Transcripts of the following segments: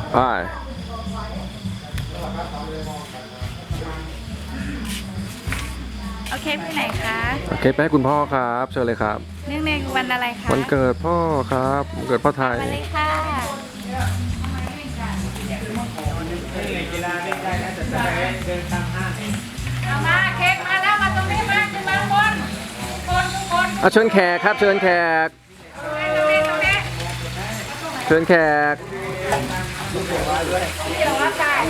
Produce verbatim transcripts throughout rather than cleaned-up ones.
ไปโอเคไปไหนคะโอเคไปให้คุณพ่อครับเชิญเลยครับเนื่องในวันอะไรคะวันเกิดพ่อครับวันเกิดพ่อไทยมาเลยค่ะเอามาเค้กมาแล้วมาตรงนี้มาขึ้นมาบนบนทุกคนอ่ะเชิญแขกครับเชิญแขกตรงนี้ตรงนี้เชิญแขกเดี๋ยวว่าใส่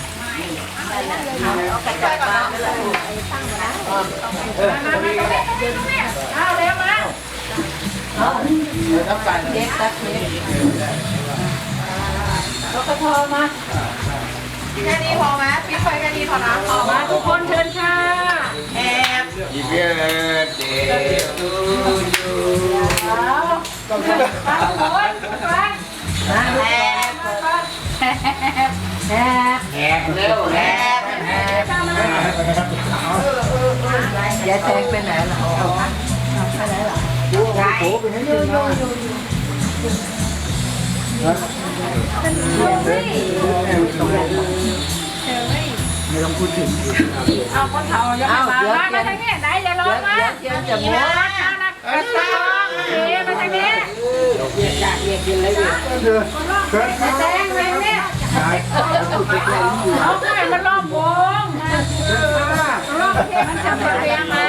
เอากระจายก่อนนะมามาตรงนี้ตรงนี้เอาเร็วมาเด็กตัดเค้กรถกระทอมาแค่นี้พอไหมพี่ไฟแค่นี้พอนะพอมาทุกคนเชิญค่ะแอบ Happy birthday to you ทุกคนทุกคนแอบแอบแอบแฮปเร็วแฮปแฮปยายแทงไปไหนล่ะไปไหนล่ะไหนอยู่อยู่อยู่ไม่ต้องพูดถึงเอาคนเฒ่ายังไม่มามามาทางนี้ไหนอย่าลงมาเดี๋ยวจะหมอย่าดลงมากระตองเอ๋มาทางนี้เรียกจากเรียกกินเลยเนี่ยแดงเลยเนี่ยเอาไข่มันรอบวงรอบเทมันทำเรียงมา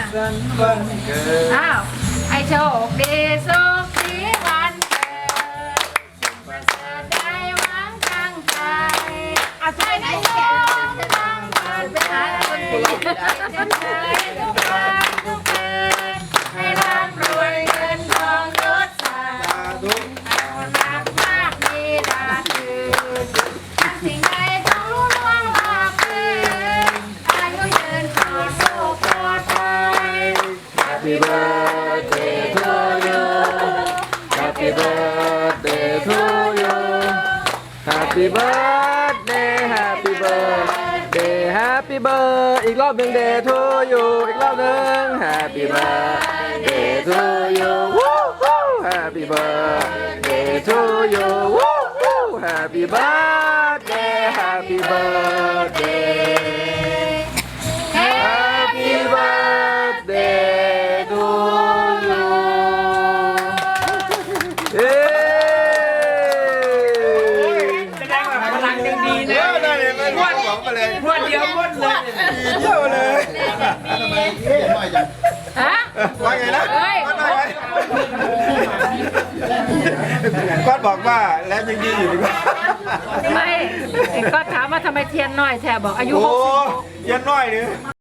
อ้าวให้โชคดีสุขสีวันเกิดสิ่งประเสริฐได้หวังตั้งใจเอาใช่ไหมแกตั้งใจไปหาคนดีจะเคยทุกวันทุกคืนให้ร่ำรวยเงินทองยศศักดิ์เอารักมากมีดาคืนทำสิ่งใดต้องรู้ล่วงลาคืนอายุยืนปลอดโรคปลอดภัย Happy birthday to you Happy birthday to you Happy birthday Happy birthday Happy birthday อีกรอบหนึ่ง day to you อีกรอบหนึ่ง Happy birthday to you Woo-hoo! Happy birthday to you Woo-hoo! Happy birthday Happy birthday Happy birthday to you เย้แสดงว่าพลังยังดีนะได้เลยมันม้วนของมาเลยม้วนเดียวม้วนเลยเที่ยวเลยทำไมเที่ยวน้อยจังฮะว่าไงนะเฮ้ยก้อนน้อยก้อนบอกว่าแล้วยังดีอยู่ดีกว่าไม่ก็ถามว่าทำไมเทียนน้อยแทบอกอายุโอ้หกสิบยันน้อยเลย